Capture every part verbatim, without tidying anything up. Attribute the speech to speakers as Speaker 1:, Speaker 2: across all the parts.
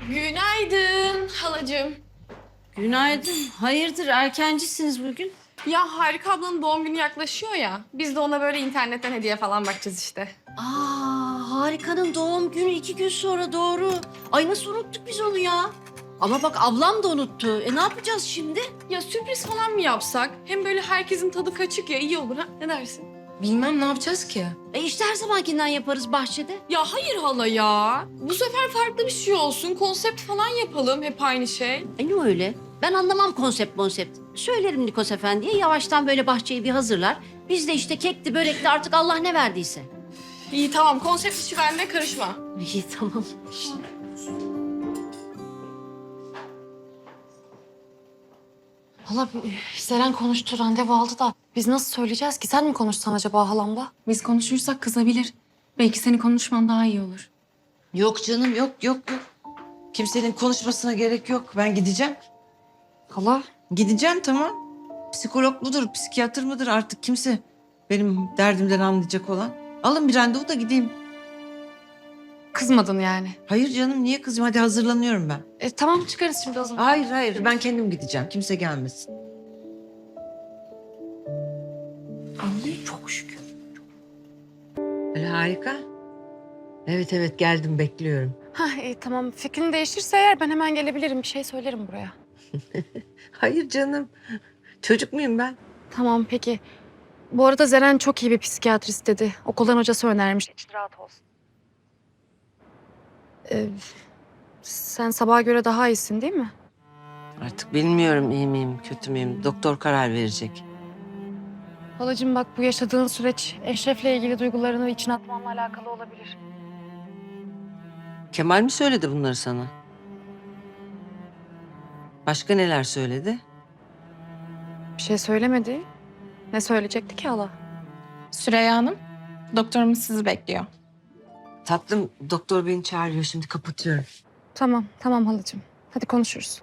Speaker 1: Günaydın halacığım.
Speaker 2: Günaydın. Hayırdır erkencisiniz bugün?
Speaker 1: Ya Harika ablanın doğum günü yaklaşıyor ya. Biz de ona böyle internetten hediye falan bakacağız işte.
Speaker 2: Aa, Harika'nın doğum günü iki gün sonra doğru. Ay nasıl unuttuk biz onu ya? Ama bak ablam da unuttu. E ne yapacağız şimdi?
Speaker 1: Ya sürpriz falan mı yapsak? Hem böyle herkesin tadı kaçık ya, iyi olur ha. Ne dersin?
Speaker 3: Bilmem ne yapacağız ki?
Speaker 2: E işte her zamankinden yaparız bahçede.
Speaker 1: Ya hayır hala ya. Bu sefer farklı bir şey olsun. Konsept falan yapalım. Hep aynı şey.
Speaker 2: E ne öyle? Ben anlamam konsept konsept. Söylerim Nikos Efendi'ye yavaştan böyle bahçeyi bir hazırlar. Biz de işte kekti, börekli artık Allah ne verdiyse.
Speaker 1: İyi tamam. Konsept işi bende, karışma.
Speaker 2: İyi tamam.
Speaker 3: Hala Seren konuştu, randevu aldı da biz nasıl söyleyeceğiz ki? Sen mi konuşsan acaba halamla?
Speaker 4: Biz konuşursak kızabilir. Belki senin konuşman daha iyi olur.
Speaker 5: Yok canım yok yok yok. Kimsenin konuşmasına gerek yok. Ben gideceğim.
Speaker 3: Hala?
Speaker 5: Gideceğim tamam. Psikolog mudur, psikiyatr mıdır artık kimse benim derdimden anlayacak olan. Alın bir randevu da gideyim.
Speaker 3: Kızmadın yani.
Speaker 5: Hayır canım niye kızım? Hadi hazırlanıyorum ben.
Speaker 3: E tamam çıkarız şimdi o zaman.
Speaker 5: Hayır hayır ben kendim gideceğim. Kimse gelmesin.
Speaker 2: Anne çok şükür.
Speaker 5: Öyle harika. Evet evet geldim bekliyorum.
Speaker 3: Ha iyi tamam. Fikrin değişirse eğer ben hemen gelebilirim. Bir şey söylerim buraya.
Speaker 5: Hayır canım. Çocuk muyum ben?
Speaker 3: Tamam peki. Bu arada Zeren çok iyi bir psikiyatrist dedi. Okuldan hocası önermiş. İçin rahat olsun. Ee, sen sabaha göre daha iyisin değil mi?
Speaker 5: Artık bilmiyorum iyi miyim kötü müyüm. Doktor karar verecek.
Speaker 3: Halacığım bak bu yaşadığın süreç Eşref'le ilgili duygularını içine atmanla alakalı olabilir.
Speaker 5: Kemal mi söyledi bunları sana? Başka neler söyledi?
Speaker 3: Bir şey söylemedi. Ne söyleyecekti ki hala?
Speaker 4: Süreyya Hanım, doktorumuz sizi bekliyor.
Speaker 5: Tatlım doktor beni çağırıyor şimdi kapatıyorum.
Speaker 3: Tamam, tamam halacığım. Hadi konuşuruz.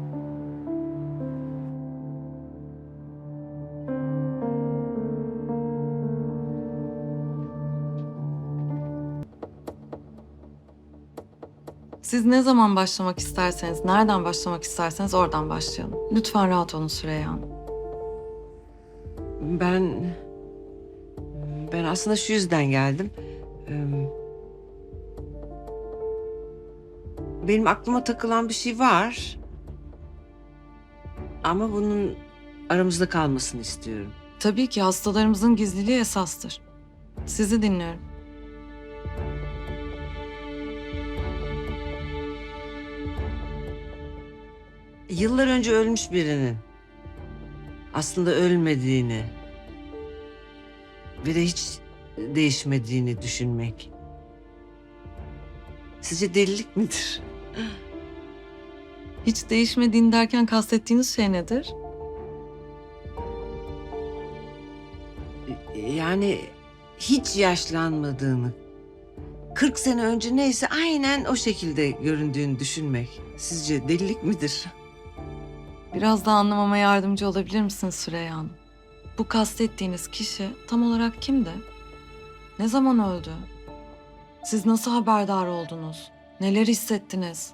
Speaker 6: Siz ne zaman başlamak isterseniz, nereden başlamak isterseniz oradan başlayalım. Lütfen rahat olun Süreyya Hanım.
Speaker 5: Ben... Ben aslında şu yüzden geldim. Ee, Benim aklıma takılan bir şey var. Ama bunun aramızda kalmasını istiyorum.
Speaker 6: Tabii ki hastalarımızın gizliliği esastır. Sizi dinliyorum.
Speaker 5: Yıllar önce ölmüş birinin aslında ölmediğini ve de hiç değişmediğini düşünmek. Sizce delilik midir?
Speaker 6: Hiç değişmediğini derken kastettiğiniz şey nedir?
Speaker 5: Yani hiç yaşlanmadığını, kırk sene önce neyse aynen o şekilde göründüğünü düşünmek. Sizce delilik midir?
Speaker 6: Biraz daha anlamama yardımcı olabilir misiniz Süreyya Hanım? Bu kastettiğiniz kişi tam olarak kimdi? Ne zaman öldü? Siz nasıl haberdar oldunuz? Neler hissettiniz?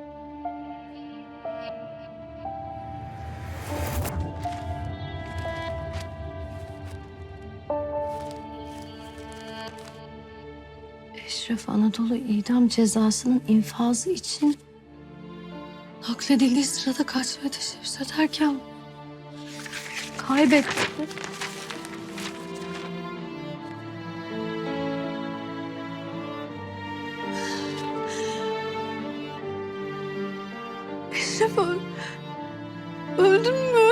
Speaker 2: Eşref Anadolu idam cezasının infazı için nakledildiği sırada kaçmaya teşebbüs ederken kaybetti. Eşref öl öldün mü?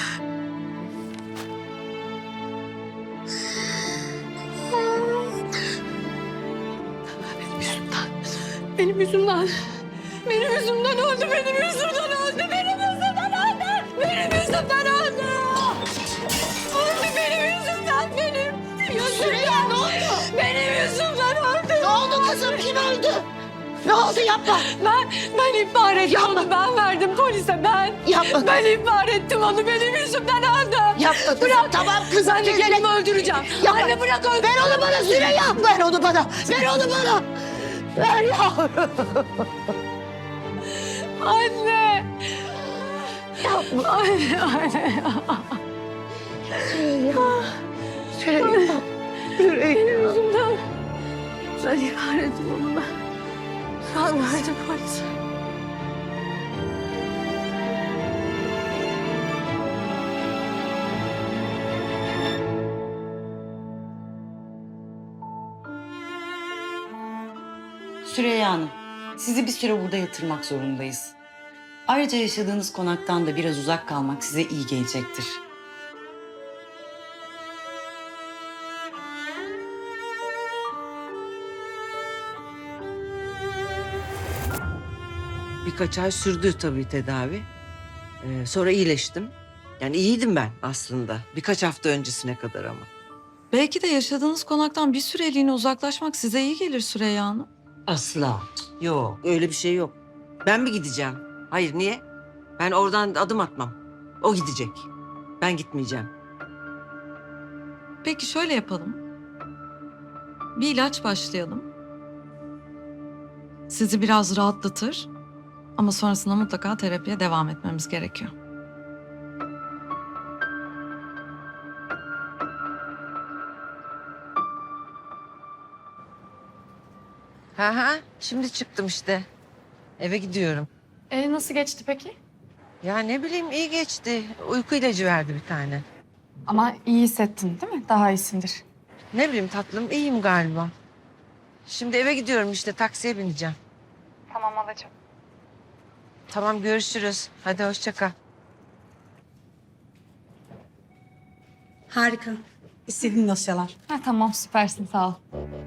Speaker 2: Benim yüzümden. Benim yüzümden öldü, benim yüzümden öldü, benim yüzümden öldü. Benim yüzümden öldü. Öldü benim yüzümden, benim yüzümden. Süreyya ne oldu? Benim yüzümden öldü. Ne oldu kızım? Kim öldü? Ne oldu yapma.
Speaker 1: Ben, ben ihbar ettim onu. Ben verdim polise, ben.
Speaker 2: Yapma.
Speaker 1: Ben ihbar ettim onu. Benim yüzümden öldü.
Speaker 2: Yapma kızım.
Speaker 1: Bırak.
Speaker 2: Tamam kızım.
Speaker 1: Ben de kendimi öldüreceğim.
Speaker 2: Yapma.
Speaker 1: Anne bırak öldür.
Speaker 2: Ver onu bana Süreyya. Ver onu bana. Ver onu bana. Ver yavrum. Anne. Yapma anne, anne. Süreyya. Süreyya. Benim yüzümden. Ben ihbar ettim onu ben. Ben verdim polise.
Speaker 7: Süreyya Hanım, sizi bir süre burada yatırmak zorundayız. Ayrıca yaşadığınız konaktan da biraz uzak kalmak size iyi gelecektir.
Speaker 5: Birkaç ay sürdü tabii tedavi. Ee, sonra iyileştim. Yani iyiydim ben aslında. Birkaç hafta öncesine kadar ama.
Speaker 6: Belki de yaşadığınız konaktan bir süreliğine uzaklaşmak size iyi gelir Süreyya Hanım.
Speaker 5: Asla. Yok, öyle bir şey yok. Ben mi gideceğim? Hayır, niye? Ben oradan adım atmam. O gidecek. Ben gitmeyeceğim.
Speaker 6: Peki şöyle yapalım. Bir ilaç başlayalım. Sizi biraz rahatlatır. Ama sonrasında mutlaka terapiye devam etmemiz gerekiyor.
Speaker 5: Ha ha, şimdi çıktım işte. Eve gidiyorum.
Speaker 3: E, nasıl geçti peki?
Speaker 5: Ya ne bileyim iyi geçti. Uyku ilacı verdi bir tane.
Speaker 3: Ama iyi hissettin değil mi? Daha iyisindir.
Speaker 5: Ne bileyim tatlım iyiyim galiba. Şimdi eve gidiyorum işte taksiye bineceğim.
Speaker 3: Tamam halacığım.
Speaker 5: Tamam görüşürüz. Hadi hoşça kal.
Speaker 8: Harika. İstediğin dosyalar.
Speaker 3: Ha, tamam süpersin sağ ol.